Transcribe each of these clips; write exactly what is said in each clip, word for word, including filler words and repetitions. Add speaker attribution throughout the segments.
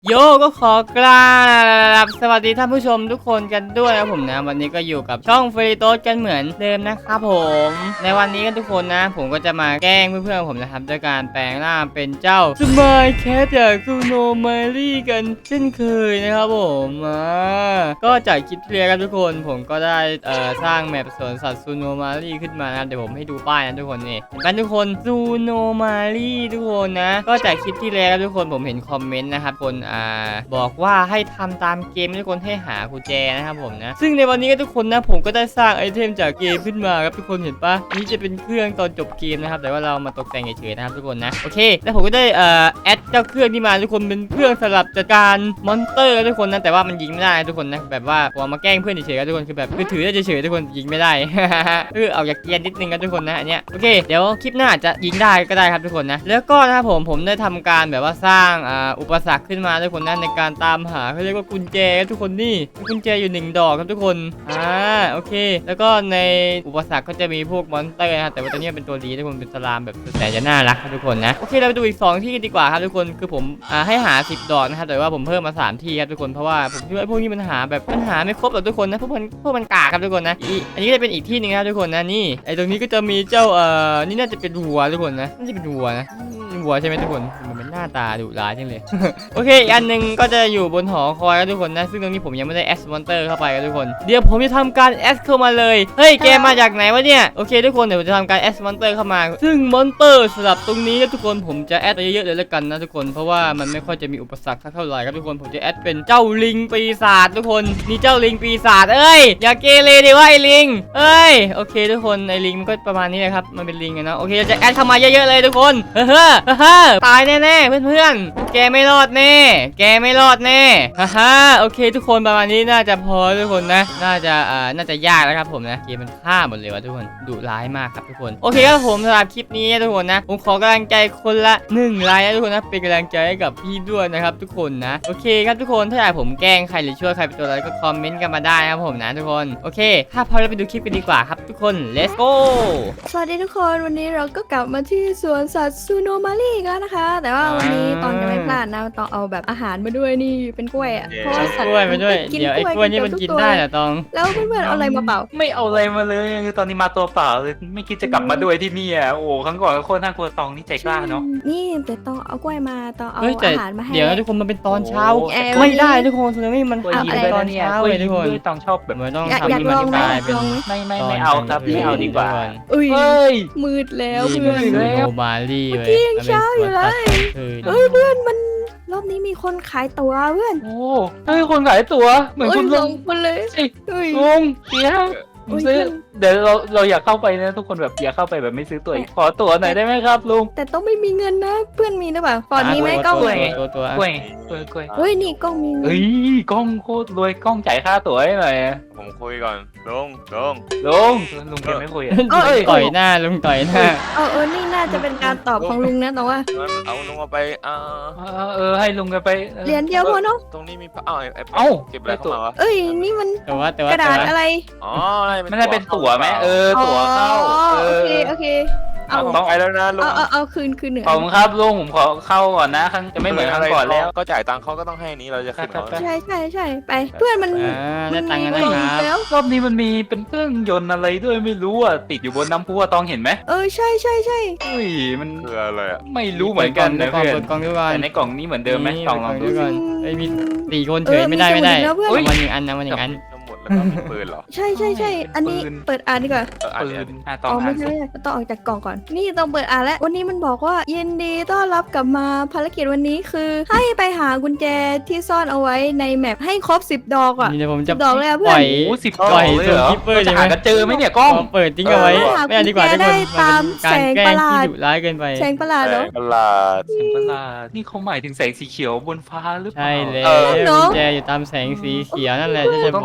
Speaker 1: โยก็ขอกราบสวัสดีท่านผู้ชมทุกคนกันด้วยนะผมนะวันนี้ก็อยู่กับช่องฟรีโต้กันเหมือนเดิมนะครับผมในวันนี้กันทุกคนนะผมก็จะมาแกล้งเพื่อนๆผมนะครับด้วยการแปลงร่างเป็นเจ้าสมายแคทจากซูโนมารี่กันเช่นเคยนะครับผมอ่าก็จากคลิปที่แล้วกันทุกคนผมก็ได้เอ่อสร้างแมปสวนสัตว์ซูโนมารี่ขึ้นมานะเดี๋ยวผมให้ดูป้ายนะทุกคนนี่เห็นไหมทุกคนซูโนมารี่ทุกคนนะก็จากคลิปที่แล้วทุกคนผมเห็นคอมเมนต์นะครับคนอ่าบอกว่าให้ทำตามเกมทุกคนให้หากุญแจนะครับผมนะซึ่งในวันนี้ก็ทุกคนนะผมก็ได้สร้างไอเทมจากเกมขึ้นมาครับทุกคนเห็นปะนี่จะเป็นเครื่องตอนจบเกมนะครับแต่ว่าเรามาตกแต่งเฉยๆนะครับทุกคนนะโอเคแล้วผมก็ได้เอ่อแอดเจ้าเครื่องที่มาทุกคนเป็นเครื่องสำหรับจัดการมอนสเตอร์ทุกคนนะแต่ว่ามันยิงไม่ได้ทุกคนนะแบบว่าพอมาแกล้งเพื่อนเฉยๆครับทุกคนคือแบบคือถือได้เฉยๆทุกคนยิงไม่ได้ เออเอาอยากเกียนนิดนึงครับทุกคนนะอันเนี้ยโอเคเดี๋ยวคลิปหน้าจะยิงได้ก็ได้ครับทุกคนนะแล้วก็นะครับผมผมได้ทำการแบบว่าสร้างอ่าอุปสรรคขึ้นมาทุกคนนะในการตามหาเขาเรียกว่ากุญแจทุกคนนี่กุญแจอยู่หนึ่งดอกครับทุกคนอ่าโอเคแล้วก็ในอุปสรรคก็จะมีพวกมอนสเตอร์นะแต่ว่าตัวนี้เป็นตัวดีทุกคนเป็นสลามแบบแสนจะน่ารักครับทุกคนนะโอเคเราไปดูอีกสองที่ดีกว่าครับทุกคนคือผมอ่าให้หาสิบดอกนะครับแต่ว่าผมเพิ่มมาสามที่ครับทุกคนเพราะว่าผมคิดว่าพวกนี้มันหาแบบมันหาไม่ครบหรอกทุกคนนะพวกมันพวกมันกากครับทุกคนนะอีอันนี้ก็จะเป็นอีกที่หนึ่งครับทุกคนนะนี่ไอตรงนี้ก็จะมีเจ้าเอ่อนี่น่าจะเป็นวัวทุกคนนะน่าจะเป็นวัวนะวัวใช่ไหมทุกคนมันเป็นหน้าตาดุร้ายจังเลย โอเคอีกอันหนึ่งก็จะอยู่บนหอคอยครับทุกคนนะซึ่งตรงนี้ผมยังไม่ได้แอดมอนเตอร์เข้าไปครับทุกคนเดี๋ยวผมจะทำการแอดเข้ามาเลยเฮ้ยแกมาจากไหนวะเนี่ยโอเคทุกคนเดี๋ยวผมจะทำการแอดมอนเตอร์เข้ามาซึ่งมอนเตอร์สำหรับตรงนี้ทุกคนผมจะแอดไปเยอะๆเลยแล้วกันนะทุกคนเพราะว่ามันไม่ค่อยจะมีอุปสรรคเท่าไหร่ครับทุกคนผมจะแอดเป็นเจ้าลิงปีศาจทุกคนนี่เจ้าลิงปีศาจเอ้ยอย่าเกเรดิว่าไอ้ลิงเอ้ยโอเคทุกคนไอ้ลิงมันก็ประมาณนี้เลยครับมันเป็นลิงนะโอเคจะแอดเข้ามาเยอะๆเลยทุกคนเฮ้อเฮ้อเฮ้อตายแน่ๆเพื่อนๆแกไม่รอดแน่แกไม่รอดแน่ฮ่าฮ่าโอเคทุกคนประมาณนี้น่าจะพอทุกคนนะน่าจะอ่าน่าจะยากแล้วครับผมนะเกมมันฆ่าหมดเลยวะทุกคนดุร้ายมากครับทุกคนโอเคครับผมสำหรับคลิปนี้ทุกคนนะผมขอกำลังใจคนละหนึ่งไลค์นะทุกคนนะเป็นกำลังใจให้กับพี่ด้วยนะครับทุกคนนะโอเคครับทุกคนถ้าอยากผมแกล้งใครหรือช่วยใครเป็นตัวอะไรก็คอมเมนต์กันมาได้นะครับผมนะทุกคนโอเคถ้าพร้อมแล้วไปดูคลิปกันดีกว่าครับทุกคน let's go
Speaker 2: สวัสดีทุกคนวันนี้เราก็กลับมาที่สวนสัตว์ซูโนมารีกันนะคะ แต่ว่าวันนี้ตองจะไม่พลาดนะต้องเอาแบบอาหารมาด้วยนี่เป็นกล้วยอ่ะเพราะว่าสัต
Speaker 1: ก
Speaker 2: ว์
Speaker 1: ล้วยมาด้วย
Speaker 2: กิน
Speaker 1: เดี๋ยวไอ้
Speaker 2: ก
Speaker 1: ก
Speaker 2: ล้
Speaker 1: ล้ว
Speaker 2: วย
Speaker 1: นี่มันกินได้เหรอตอง
Speaker 2: แล้วเพื่อนๆเอาอะไรมาเปล่า
Speaker 3: ไม่เอาอะไรมาเลยคือตอนนี้มาตัวเปล่าเลยไม่คิดจะกลับมาด้วยที่นี่อ่ะโอ้ครั้งก่อนก็โคตรน่ากลัวตองนี่ใจกล้าเนาะ
Speaker 2: นี่แต่ต้องเอากล้วยมาต้องเอา
Speaker 1: เฮ้ยแต่
Speaker 2: อาหารมาให้
Speaker 1: เดี๋ยวนะทุกคนมันเป็นตอนเช้า
Speaker 3: โอ้
Speaker 2: เอ้ย
Speaker 1: ไม่ได้ทุกคนคือไม่มัน
Speaker 3: กล้วย
Speaker 1: หา
Speaker 3: ยิ้ม
Speaker 1: อะไร
Speaker 3: ด้วย
Speaker 1: ตอ
Speaker 3: นะ
Speaker 1: น
Speaker 3: เนี่ย
Speaker 1: เช้าก
Speaker 3: ล้วย
Speaker 1: เลยทุ
Speaker 3: ยิ้
Speaker 1: ก
Speaker 3: ม
Speaker 1: คน
Speaker 3: ด้วยตองชอบแบบ
Speaker 1: มันต้อง
Speaker 2: อยาก
Speaker 1: ทำ
Speaker 2: อยาก
Speaker 1: ให้มัน
Speaker 2: ลองไหม
Speaker 1: กลายเป็น
Speaker 2: ลองไหม
Speaker 3: ไม่ไม่
Speaker 1: ตอน
Speaker 3: ไม่เอาครับไม่เอาดีกว่า
Speaker 2: อุ้ย
Speaker 3: เฮ้ย
Speaker 2: มืดแล้ว
Speaker 1: นี่
Speaker 2: เพื่
Speaker 1: มั
Speaker 2: อน น
Speaker 1: คือโนบารี่
Speaker 2: เมื่อ
Speaker 1: เว้
Speaker 2: กี้
Speaker 1: ย
Speaker 2: ยังเช้าอยู่เลย
Speaker 1: เฮ้
Speaker 2: เฮ้ยเพื่อนมันรอบนี้มีคนขายตั๋วเพื่อน
Speaker 3: โอ้เฮ้ยคนขายตั๋วเหมือน
Speaker 2: เอ้
Speaker 3: คุ
Speaker 2: ย
Speaker 3: ณ
Speaker 2: ส
Speaker 3: ลุ
Speaker 2: อง งคนเลย
Speaker 3: เอ้ย
Speaker 2: เฮ้ย
Speaker 3: ลุงเดี๋ยวผม
Speaker 2: โอ้ย
Speaker 3: ซื้อ
Speaker 2: เพื่อน
Speaker 3: เดี๋ยวเราเราอยากเข้าไปนะทุกคนแบบอยากเข้าไปแบบไม่ซื้อตั๋วอีกขอตั๋วหน่อยได้ไหมครับลุง
Speaker 2: แต่ต้องไม่มีเงินนะเพื่อนมีหรือเปล่าก่อนมีไหมกล้อง
Speaker 3: กล้วย
Speaker 1: ตัวตัว
Speaker 3: กล้วยกล้วยกล้วย
Speaker 2: เฮ้ยนี่กล้องมีเงิน
Speaker 3: เฮ้ยกล้องโคตรรวยกล้องจ่ายค่าตั๋วให้หน่อยอะ
Speaker 4: ผมคุยก่อนลุงลุง
Speaker 3: ลุงลุงแกไม่คุยอะ
Speaker 1: ต่อยหน้าลุงต่อยหน้า
Speaker 2: เออเออนี่น่าจะเป็นการตอบของลุงนะแต่ว่า
Speaker 4: งั้นเอาลุงเอาไปอ่า
Speaker 3: เออเออให้ลุงแกันไปออ
Speaker 2: เหรียญเดียวพอเนาะ
Speaker 4: ตรงนี้มีอ้าวไอ้ไอ้
Speaker 3: เอ้า
Speaker 4: เก็บอะไรเข้ามาวะ
Speaker 2: เอ้ยนี่มัน
Speaker 1: แต่ว่าแต่ว่าก
Speaker 2: ระดาษ
Speaker 1: แต่ว่า
Speaker 2: อะไร
Speaker 4: อ๋อ
Speaker 3: ไม่ได้เป็นตั๋วไหมเออตั๋วเข้า
Speaker 2: อ๋อ
Speaker 3: เอ
Speaker 2: โอ
Speaker 3: อ
Speaker 2: เคโอเคเอา
Speaker 4: ต้องไปแล้วนะลุง
Speaker 2: เอาเอาเอาคืนคืนเหนือ
Speaker 3: ขอบคุณครับลุงผมขอเข้าก่อนนะครั้งจะไม่เหมือนครั้งก่อนแล้ว
Speaker 4: ก็จ่ายตังค์เขาก็ต้องให้นี้เราจะขึ้นเขา
Speaker 3: ครับ
Speaker 2: ใช่ใช่ใช่ไปเพื่อนมัน
Speaker 1: อ่าได้ตังค์กันนะ
Speaker 2: มี
Speaker 1: ค
Speaker 2: เงิ
Speaker 1: รับ
Speaker 2: แล้ว
Speaker 3: รอบนี้มันมีเป็นเครื่องยนต์อะไรด้วยไม่รู้อ่ะติดอยู่บนน้ำพุอะตองเห็นไหม
Speaker 2: เออใช่ใช่ใช่
Speaker 3: อุ้ยมัน
Speaker 4: คืออะไรอ่ะ
Speaker 3: ไม่รู้เหมือนกันนะ
Speaker 1: เปิ
Speaker 3: เพื่
Speaker 1: ด
Speaker 3: อน
Speaker 1: กล่องด้วยกัน
Speaker 3: แต่ในกล่องนี้เหมือนเดิมไหมตองลองดู
Speaker 1: ด้วย
Speaker 3: สิ
Speaker 1: กันเอ้ยมีสี่คนเฉยไม่ได้ไม่ได้
Speaker 2: แล้วเพื่อน
Speaker 3: เฮ้ย
Speaker 1: มันหนึ่งอันนะมันหนึ่งอัน
Speaker 4: ทั้งหมดแล้วก็มีปืนเหรอ
Speaker 2: ใช่ใช่ใช่อันนี้
Speaker 3: ปืน
Speaker 2: เปิดอ่านดีกว่า
Speaker 4: เอออัน
Speaker 3: ปื
Speaker 4: นี้
Speaker 3: นอ่ะตอ
Speaker 2: อ๋
Speaker 3: ง
Speaker 2: อ
Speaker 3: อ่า
Speaker 2: ไม่
Speaker 3: น
Speaker 2: ใช่
Speaker 3: สิ
Speaker 2: ไม่ใช่ต้องออกจากกล่องก่อนนี่ต้องเปิดอ่านแล้ววันนี้มันบอกว่ายินดีต้อนรับกลับมาภารกิจวันนี้คือ ให้ไปหากุญแจที่ซ่อนเอาไว้ในแมปให้ครบสิบดอกอ่ะ
Speaker 1: นี่เดี๋ยวผมจะ
Speaker 2: ดอกเลยอะเพื่
Speaker 1: ป
Speaker 2: อน
Speaker 1: ล่อย
Speaker 3: โอ้สิบ
Speaker 1: ปล่อย
Speaker 3: เลยเหรอ
Speaker 1: ส่ง Keeper
Speaker 3: จะหา
Speaker 1: ใช่ไหม
Speaker 3: กันเจอไหมเนี่ยกล้อง
Speaker 1: เปิดทิ้งเอาไว้
Speaker 2: เออ
Speaker 1: ไม่เอาดีกว่าทุกคน
Speaker 2: ได้ตาม
Speaker 1: การ
Speaker 2: แสง
Speaker 1: แกล้
Speaker 2: ประ
Speaker 1: ง
Speaker 2: หลาด
Speaker 1: ที่ดุร้ายเกินไป
Speaker 2: แสงประหลาดเหรอ
Speaker 4: ประหลาด
Speaker 3: แสงประหลาดนี่เขาหมายถึงแสงสีเขียวบนฟ้าหรือเปล่า
Speaker 1: ใช่เลย
Speaker 4: เออ
Speaker 1: กุญแจอยู่ตามแสงสีเขียวนั่นแหละที่จะ
Speaker 3: ต้อง
Speaker 1: บอก
Speaker 3: ตามแส
Speaker 1: ให้
Speaker 3: ง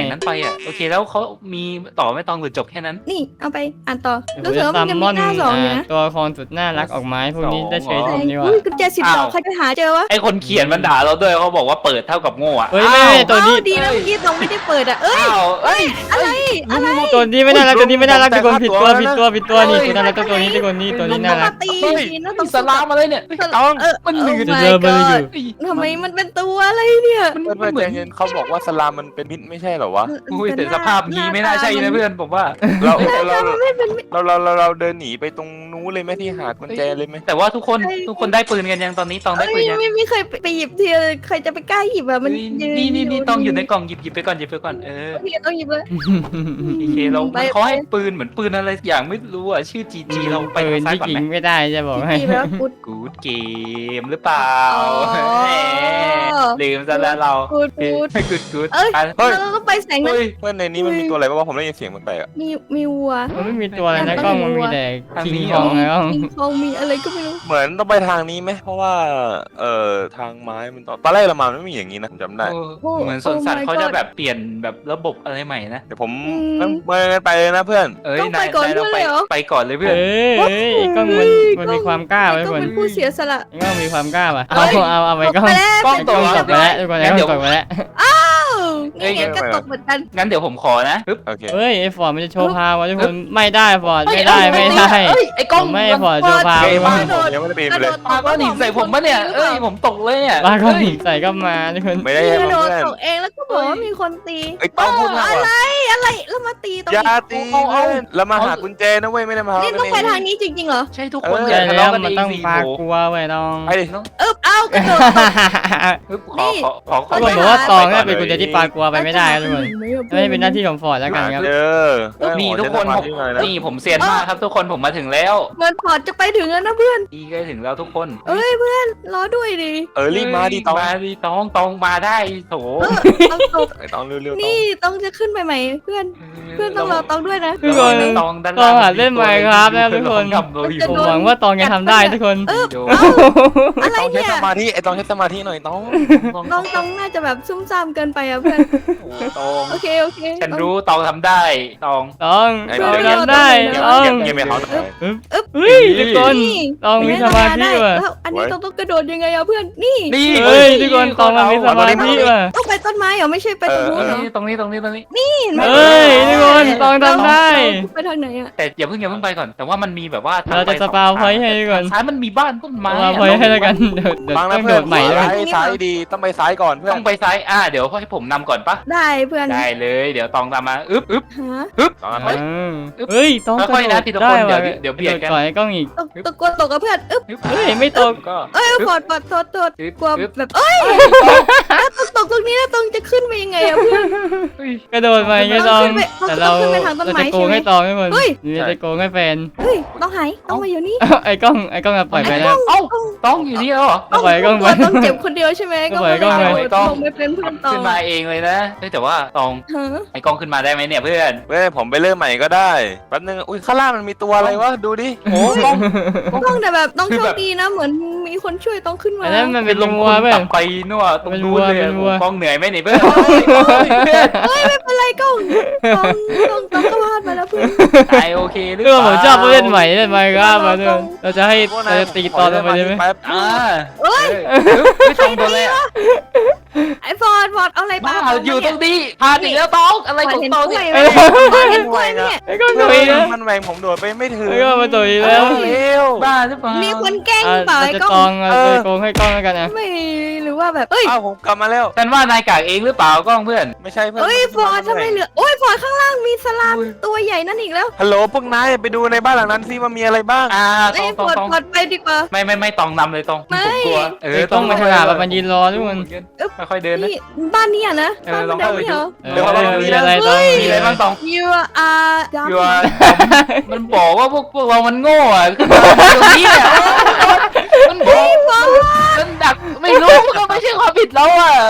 Speaker 3: อย่างนั้นไปอ่ะโอเคแล้วเขามีต่อไม่ต้องหรือจบแค่นั้น
Speaker 2: นี่เอาไปอ่านต่อ
Speaker 1: เดี๋
Speaker 2: รู้
Speaker 1: ยว
Speaker 2: สึก
Speaker 1: จะ
Speaker 2: ว่า
Speaker 1: ซั
Speaker 2: มัน
Speaker 1: ม
Speaker 2: จะ
Speaker 1: ม
Speaker 2: มี
Speaker 1: อน
Speaker 2: หน้าสองอยู่
Speaker 1: อ่า
Speaker 2: นะ
Speaker 1: ตัวละครสุดน่ารักออกมาให้พวกนี้ได้ใช้ชมดีกว่า
Speaker 2: อุ้ยกุญแจสิบดอกใครจะหาเจอวะ
Speaker 3: ไอคนเขียนมันด่าเราด้วยเขาบอกว่าเปิดเท่ากับโง่อะ
Speaker 1: เฮ้ยไม่ไม่ตัวนี้
Speaker 2: อ้าวดีนะเมื่อกี้ตรงไม่ได้เปิดอ่ะเอ้ย
Speaker 3: อ้าวเอ้ย
Speaker 2: อะไรอะไร
Speaker 1: ตัวนี้ไม่น่ารักตัวนี้ไม่น่ารักทุกคนผิดตัวผิดตัวผิดตัวนี่ตัวน่ารักตัวนี้ทุกคนนี่ตัวนี้น่ารัก
Speaker 2: ตี
Speaker 3: เฮ้ย
Speaker 2: ทีนะตร
Speaker 3: มี
Speaker 2: ง
Speaker 3: สลามมาเลยเนี่ย
Speaker 4: ต้อง
Speaker 2: เออ
Speaker 3: มันเหลือ
Speaker 2: โอ้
Speaker 1: เจอ
Speaker 2: my
Speaker 1: เบอร์อยู่
Speaker 2: god ทำไมมันเป็นตัวอะไรเนี่ย
Speaker 3: มัน
Speaker 4: เพื่อนเพื่อน
Speaker 3: เหมื
Speaker 4: ใจ
Speaker 3: อน
Speaker 4: เย็นเขาบอกว่าสลามมันเป็นพิษไม่ใช่เหรอวะ
Speaker 3: อุ้ยแต่สภาพนี้ไม่น่าใช่นะเพื่อนผมว่า
Speaker 4: เราเราเราเราเราเราเดินหนีไปตรงนู้นเลยไหมที่หากุญแจเลยไหม
Speaker 3: แต่ว่าทุกคนทุกคนได้ปืนกันยังตอนนี้ตองได้
Speaker 2: เอ้
Speaker 3: ปื
Speaker 2: ย
Speaker 3: นยัง
Speaker 2: ไม่ไม่เคยไปหยิบทีเลยใครจะไปกล้าหยิบอ่ะมัน
Speaker 3: เฮ้ย
Speaker 2: ยื
Speaker 3: นี่นี่นี่ตองอยู่ในกล่องหยิบหยิบไปก่อนหยิบไปก่อนเออ
Speaker 2: โอเคต้องหยิบเลย
Speaker 3: โอเคเรา
Speaker 2: ไป
Speaker 3: เขาให้ปืนเหมือนปืนอะไรอย่างไม่รู้อ่ะชื่อจีจีเราไป
Speaker 1: ปืน
Speaker 3: ซ้าย
Speaker 1: ที่
Speaker 3: ก่อน
Speaker 1: ยิ
Speaker 3: ไหม
Speaker 1: งไม่ได้จะบอกให้
Speaker 2: จริงๆแล้วกูด
Speaker 3: กูดเกมหรือเปล่า
Speaker 2: อ๋อ
Speaker 3: แหมลืมซะแล้วเรา
Speaker 2: กูดกูด
Speaker 3: กูดกูด
Speaker 2: เอ้ย
Speaker 3: อ่ะ
Speaker 2: เราต้องไปแสงนั้น
Speaker 3: เฮ้ย
Speaker 4: เพื่อนในนี้มันมีตัวอะไรบ้างวะผมได้ยินเสียงมันไปอ่ะ
Speaker 2: มีมีวัว
Speaker 1: มันไม่มีตัวอะไรนะกล้องมันมีแต่
Speaker 3: ทาง
Speaker 1: คิง
Speaker 3: นี้
Speaker 1: คอง
Speaker 3: เหรอ
Speaker 1: ไงกล้อง
Speaker 2: มีทองมีอะไรก็ไม่รู้
Speaker 4: เหมือนต้องไปทางนี้ไหมเพราะว่าเอ่อทางไม้มันตอนตอนแรกเรามามันไม่มีอย่างนี้นะผมจำได้
Speaker 3: เออเหมือนสวนสัตว์เขาจะแบบเปลี่ยนแบบระบบอะไรใหม่นะ
Speaker 4: เดี๋ยวผมเมื่อไปเลยนะเพื่อน
Speaker 3: เอ้ย
Speaker 2: ต้องไป
Speaker 3: นาย
Speaker 2: ก่อน
Speaker 3: นาย
Speaker 2: เพื่
Speaker 3: เรา
Speaker 2: อน
Speaker 3: ไป
Speaker 2: เลยเหรอ
Speaker 3: ไปก่อนเลยเพื่อน
Speaker 1: เอ้ยเอ้ยไอ้กล้องมันมันมีความกล้าไว้
Speaker 2: ก็
Speaker 1: คน
Speaker 2: เป็นผู้เสียสละ
Speaker 1: ไอ้กล้องมีความกล้าป่ะ
Speaker 3: เฮ้
Speaker 1: เอา
Speaker 3: ย
Speaker 1: เอาเอาไปกล้อง
Speaker 2: ไปแล้ว
Speaker 3: กล้อง
Speaker 1: ไอ้กล้องตกไปแล้วทุกคนไอ้กล้องตกไปแล้ว
Speaker 2: อ้าวนี่ไงก็ตกเหมือนกัน
Speaker 3: งั้นเดี๋ยวผมขอนะปึ๊บ
Speaker 4: โอเค
Speaker 1: เฮ้ยไอ้ฟอร์ดมันจะโชว์พาวะทุกคนไม่ได้ฟอร์ดไม่ได้ไม่ได้
Speaker 3: เอ้ยไอ้กล้อง
Speaker 1: ผมไม่ฟอร์ดโชว์พาว
Speaker 4: เฮ้ย
Speaker 1: มา
Speaker 4: บ้านผมยังไม่ได้ปีน
Speaker 2: ก
Speaker 4: ไประเลย
Speaker 2: โดด
Speaker 3: ปาก้อนหินใส่ผมปะเนี่ยเอ้ยผมตกเลยเนี่ย
Speaker 1: บ้าก็
Speaker 3: เอ้ย
Speaker 1: ใส่ก็มาทุกคน
Speaker 4: ไม่ได้
Speaker 2: ก
Speaker 4: ให้
Speaker 2: ระโด
Speaker 4: เพื่
Speaker 2: ด
Speaker 4: อน
Speaker 2: ตกเองแล้วก็บอกว่ามีคนตี
Speaker 4: ไอ้ต้องพูดมาก
Speaker 2: อะไร
Speaker 4: ว่า
Speaker 2: อะไรแล้วมาตีตรง
Speaker 4: อย่า
Speaker 2: นี้
Speaker 4: ตีเพื่อนแล้วมาหากุญแจนะเว้ยไม่ได้มาหา
Speaker 2: นี่ต้องไปทางนี้จริงๆเหรอ
Speaker 3: ใช่ทุกคน
Speaker 4: เออ
Speaker 3: อย่า
Speaker 1: ใช่
Speaker 3: ทะ
Speaker 1: แล้ว
Speaker 3: เลาะกัน
Speaker 1: มัน
Speaker 3: เอง
Speaker 1: ต้อง
Speaker 3: สิ
Speaker 1: ปา
Speaker 3: โห
Speaker 1: กลัวไว้น้อง
Speaker 4: ไปดิ
Speaker 2: เอ๊บเอ้ากระโดดตก
Speaker 3: ปึ๊บข
Speaker 2: นี่
Speaker 3: อขอขอขอ
Speaker 1: เขา
Speaker 3: ไป
Speaker 1: บอกว่าตองเนี่ยเป็นกุญแจที่ปากลัวไปไม่ได้ครับทุกคน
Speaker 2: ไม่
Speaker 1: ไม่เป็นหน้าที่ของฟอร์ดแล้วกันครับ
Speaker 4: เออ
Speaker 3: นี่ทุกคนผมนี่ผมเซียนมากครับทุกคนผมมาถึงแล้ว
Speaker 2: เหมือนพอร์ตจะไปถึงแล้วนะเพื่อน
Speaker 3: ดีใกล้ถึงแล้วทุกคน
Speaker 2: เอ้ยเพื่อนรอด้วยดิ
Speaker 4: เออรีบมาดิตอง
Speaker 3: มาดิตองตองมาได้โถ
Speaker 2: เออต้องตก
Speaker 4: ไอ้ตองเร็วๆตอง
Speaker 2: นี่ต้องจะขึ้นไปใหม่เพื่อนเพื่อนต้องรอต้องด้วยนะ
Speaker 1: ทุกคน
Speaker 3: ตองด้าน
Speaker 1: ตองหัดเล่น Minecraft นะครับทุกคน ผมหวังว่าตองจะทำได้ทุกคน
Speaker 2: เออ
Speaker 3: โย
Speaker 2: อะไร
Speaker 4: ต้องใช้
Speaker 2: เนี่ย
Speaker 4: สมาธิไอ้ตองใช้สมาธิหน่อยตอง
Speaker 2: น้องต้องน่าจะแบบซุ่มซ่ามเกินไปอ่ะเพื่อน
Speaker 3: ตอง
Speaker 2: โอเคโอเค
Speaker 3: ฉันรู้ตองทำได้ตอง
Speaker 1: ตอง
Speaker 4: ไอ้
Speaker 1: ตอง
Speaker 4: เดี๋ยว
Speaker 1: ทำได้
Speaker 2: เดี๋ยว
Speaker 1: ตอง
Speaker 4: เก็บไปเขาหน่อย
Speaker 1: เฮ้ยทุกคน
Speaker 2: นี่
Speaker 1: ตองมีสมาธิว่ะ
Speaker 2: แล้วอันนี้ต้องต้องกระโดดยังไงอ่ะเพื่อนนี่
Speaker 3: นี่
Speaker 1: เฮ้ยทุกคนตองมันมีสมาธิว่ะ
Speaker 2: ต้องไปต้นไม้เหรอไม่ใช่ไปตรงนู้นเหรอ
Speaker 3: ตรงนี้ตรงนี้ตรงนี้
Speaker 2: เห็นไหม
Speaker 1: เฮ้ยทุกคนตองทำได้
Speaker 2: ไปทางไหนอ่ะ
Speaker 3: แต่อย่าเพิ่งอย่าเพิ่งไปก่อน แต่ว่ามันมีแบบว่าทง
Speaker 1: เราจะ
Speaker 3: ไป
Speaker 1: ส
Speaker 3: อง
Speaker 1: ปาว
Speaker 3: ทง
Speaker 1: พอยต์ให้ก่อน
Speaker 3: ซ้ายมันมีบ้านต้นไม้
Speaker 1: สปาวพอยต์ให้แล้วกันเดี๋ยวเดี๋ยว
Speaker 4: บาง
Speaker 1: ต้
Speaker 4: นะ
Speaker 1: อง
Speaker 4: เพื่
Speaker 1: โด
Speaker 4: อน
Speaker 1: ดใหม่ด้วย
Speaker 4: ซ้ายซ้ายดีต้องไปซ้ายก่อนเพื่อน
Speaker 3: ต้องไปซ้ายอ่าเดี๋ยวให้ผมนำก่อนปะ
Speaker 2: ได้เพื่อน
Speaker 3: ได้เลยเดี๋ยวตองตามมาอึ๊บอึ๊บ
Speaker 2: ฮะ
Speaker 4: ตอง
Speaker 3: เฮ้
Speaker 4: นะ
Speaker 3: ย
Speaker 1: เฮ้ยต้องกระ
Speaker 3: ค่อยๆ
Speaker 1: โด
Speaker 3: นะ
Speaker 1: ด
Speaker 3: ทีละคน
Speaker 1: ได้ว่ะ
Speaker 3: เดี๋ยวเดี๋ยวเบียดกัน
Speaker 1: ก่อนไอ้กล้องอีก
Speaker 2: ตกตกกลัวตกกับเพื่อนอึ๊บ
Speaker 3: อึ๊บ
Speaker 1: เฮ้ยไม่ตก
Speaker 3: ก็
Speaker 2: เอ้ยปอดปอดโทษโทษ
Speaker 3: อึ๊บ
Speaker 2: กลัว
Speaker 3: อึ๊บ
Speaker 2: แบบเอ้ยแล้วตกตกตรงนี้แล้วตรงจะขึ้นไปยังไงอะเพื่อน
Speaker 3: เฮ้ย
Speaker 1: กระโดดไปไงตอง
Speaker 2: ต้องขึ้นไป
Speaker 1: แต่เรา
Speaker 2: ต้องขึ้นไปทางต้น
Speaker 1: เรา
Speaker 2: ไม้
Speaker 1: จะโกง
Speaker 2: ใช่ไหม
Speaker 1: ให้ตองทุกคน
Speaker 2: เฮ้ย
Speaker 1: นี่เราจะโกงให้แฟน
Speaker 2: เฮ้ยต้องหายต้องมาอยู่นี่
Speaker 1: ไอ้กล้องไอ้กล้องอะปล่อยไปแล้ว
Speaker 3: เอ้าต้องอยู่นี่แล้วเหรอ
Speaker 1: เอาปล่อยกล้อง
Speaker 2: ก
Speaker 1: ไป
Speaker 2: ลัวต้องเจ็บคนเดียวใช่ไหม
Speaker 1: เอาปล่อยกล้องไป
Speaker 2: เลยโดดลงไปเป็นเพื่อนต่อ
Speaker 3: ขึ้นมาเองเลยนะเฮ้ยแต่ว่าตอง
Speaker 2: ฮะ
Speaker 3: ไอ้กล้องขึ้นมาได้ไหมเนี่ยเพื่อน
Speaker 4: เว้ยผมไปเริ่มใหม่ก็ได้แป๊บนึงอุ้ยข้างล่างมันมีตัวอะไรวะดูดิ
Speaker 3: โอ้กล้อง
Speaker 2: ต้องแต่แบบต้อง
Speaker 3: คือ
Speaker 2: โช
Speaker 3: แบ
Speaker 2: ค
Speaker 3: บ
Speaker 2: ดีนะเหมือนมีคนช่วยต้องขึ้นมา
Speaker 1: อันนั้นมันเป็น
Speaker 3: ล
Speaker 1: ล
Speaker 3: ง
Speaker 1: ง
Speaker 3: คุ
Speaker 1: วัว
Speaker 3: ณ
Speaker 1: เว้ย
Speaker 3: ตับไปนู่นตรงนู้นเลย
Speaker 1: เป็นวัว
Speaker 3: กล้องเหนื่อยไหมเนี่ยเพื่อน
Speaker 2: เฮ้ยไม่เป็นไรก้องต้องต้องต้องก็พลาดมาแล้วเพื่อน
Speaker 3: ตายโอเคหรือ
Speaker 1: เรื่
Speaker 3: เป
Speaker 1: อง
Speaker 3: ล่า
Speaker 1: ผมชอบผู้เล่นใหม่เล่นไมค์ครับมาด้วยเราจะให้เราจะตีตอนลงไปได้ไหม
Speaker 4: แป๊บ
Speaker 3: อ่า
Speaker 2: เอ้ย
Speaker 3: ไม่ตรงตัวเลยอะ
Speaker 2: ไอ้ฟอร์ดฟอร์ดเอาอะไร
Speaker 3: บ้า
Speaker 2: ปา
Speaker 3: อยู่ตรงนี้พาถึงแล้วตองอะไร
Speaker 2: ฟอ
Speaker 3: ข
Speaker 2: ร์
Speaker 3: อ
Speaker 2: ด
Speaker 3: ง
Speaker 2: เห็น
Speaker 3: ตอง
Speaker 2: กล้
Speaker 3: เนี่
Speaker 2: วย ยไหมฟอร์ดเห็นกล้วยเนี่ย
Speaker 1: ไอ้กล้องตุยนะ
Speaker 4: มันแหวงผมโดดไปไม่ถึง
Speaker 1: ไอ้กล้องมาตุยแล้ว
Speaker 4: เร็ว
Speaker 3: บ้าหรือเปล่า
Speaker 2: มีคนแกล้ง
Speaker 1: อ่ะ
Speaker 2: เปล่า
Speaker 1: เรา
Speaker 2: ไอ้
Speaker 1: จะ
Speaker 2: กล้
Speaker 1: ต
Speaker 2: อ
Speaker 1: อง งเราจะโกงให้กล้องแล้วกันนะ
Speaker 2: ไม่หรือว่าแบบเอ้ย
Speaker 4: อ้าวผมกลับมาแล้ว
Speaker 3: ฉันว่านายกากเองหรือเปล่ากล้องเพื่อน
Speaker 4: ไม่ใช่เพื่อน
Speaker 2: เอ้ยฟอร์ดทำไมเหลือโอ้ยฟอร์ดข้างล่างมีสลามตัวใหญ่นั่นอีกแล้ว
Speaker 4: ฮัลโหลพวกนายไปดูในบ้านหลังนั้นซิว่ามีอะไรบ้าง
Speaker 3: อ่าต
Speaker 2: ไอ้
Speaker 3: อง
Speaker 2: ฟ
Speaker 3: ตอง
Speaker 2: อร์ด
Speaker 3: ตอง
Speaker 2: ฟอร์ดไปดีกว่า
Speaker 3: ไม่ไม่ไม่ตองนำเลยตอง
Speaker 2: ไม่
Speaker 3: ผมกลัวเอ
Speaker 1: ไอ้
Speaker 3: อก
Speaker 1: ล้องมาฉลาดแบบมันยืนรอทุกคน
Speaker 3: ค่อยๆเดินนะ
Speaker 2: นี่บ้านนี้อ่ะนะ
Speaker 3: เอ
Speaker 2: บ้า
Speaker 3: อน ลอง
Speaker 2: แบบ
Speaker 3: เข้าไป
Speaker 2: นี้
Speaker 3: ดู
Speaker 2: เหรอ
Speaker 1: เออมีอะไรตอง
Speaker 3: มีอะไรบ้างตอง
Speaker 2: You are
Speaker 3: อยู่ว่ามันบอกว่าพวกพวกเรามันโง่อะคือมันตรงนี้อะมันบอกมันดักไม่รู้ก็ไม่ใช่ความผิดเราอ่ะ
Speaker 2: เฮ้ย